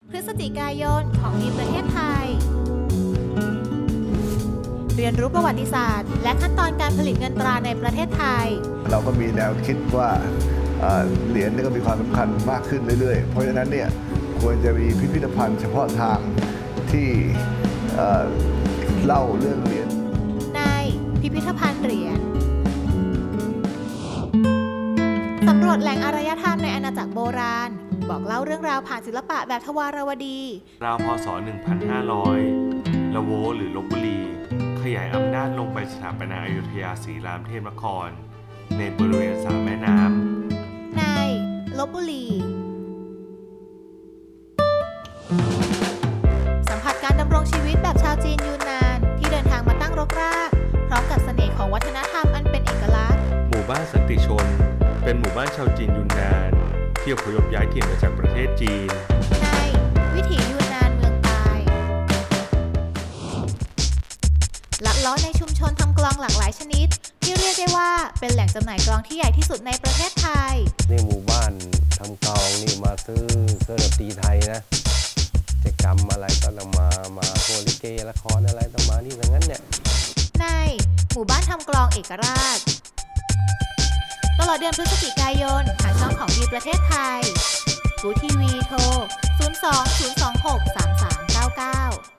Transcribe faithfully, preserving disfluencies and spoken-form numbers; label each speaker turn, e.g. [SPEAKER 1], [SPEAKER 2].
[SPEAKER 1] พฤศจิกายนของดีประเทศไทย เรียนรู้ประวัติศาสตร์ และขั้นตอนการผลิตเงินตราในประเทศไทย
[SPEAKER 2] เราก็มีแนวคิดว่าเอ่อเหรียญนี่ก็มีความสำคัญมากขึ้นเรื่อยๆ เพราะฉะนั้นเนี่ยควรจะมีพิพิธภัณฑ์เฉพาะทางที่เอ่อเล่าเรื่องเหรียญ
[SPEAKER 1] ในพิพิธภัณฑ์เหรียญสำรวจแหล่งอารยธรรมในอาณาจักรโบราณ บอกเล่าเรื่องราวผ่านศิลปะแบบทวารวดี
[SPEAKER 3] ราวพศ หนึ่งพันห้าร้อย ละโวหรือลพบุรี ขยายอำนาจลงไปสถาปนาอยุธยาศรีรามเทพนคร ในบริเวณสามแม่น้ำ
[SPEAKER 1] ในลพบุรี สัมผัสการดำรงชีวิตแบบชาวจีนยูนนานที่เดินทางมาตั้งรกราก พร้อมกับเสน่ห์ของวัฒนธรรมอันเป็นเอกลักษณ์
[SPEAKER 3] หมู่บ้านสันติชน เป็นหมู่บ้านชาวจีนยูนนานที่อพยพย้ายถิ่นมาจากประเทศจีน
[SPEAKER 1] ในวิถียูนนานเมืองตายลัดเล้อในชุมชนทำกลองหลากหลายชนิด ที่เรียกได้ว่าเป็นแหล่งจำหน่ายกลองที่ใหญ่ที่สุดในประเทศไทย
[SPEAKER 4] นี่หมู่บ้านทำกลองนี่มาซื้อเครื่องดนตรีไทยนะกิจกรรมอะไรก็ต้องมา มาโฮลิเกละครอะไรต้องมาที่อย่างนั้นเนี่ย
[SPEAKER 1] ในหมู่บ้านทำกลองเอกราช ตลอดเดือนพฤศจิกายนทางช่องของดีประเทศไทยกูทีวีโทร ศูนย์ สอง ศูนย์ สอง หก สาม สาม เก้า เก้า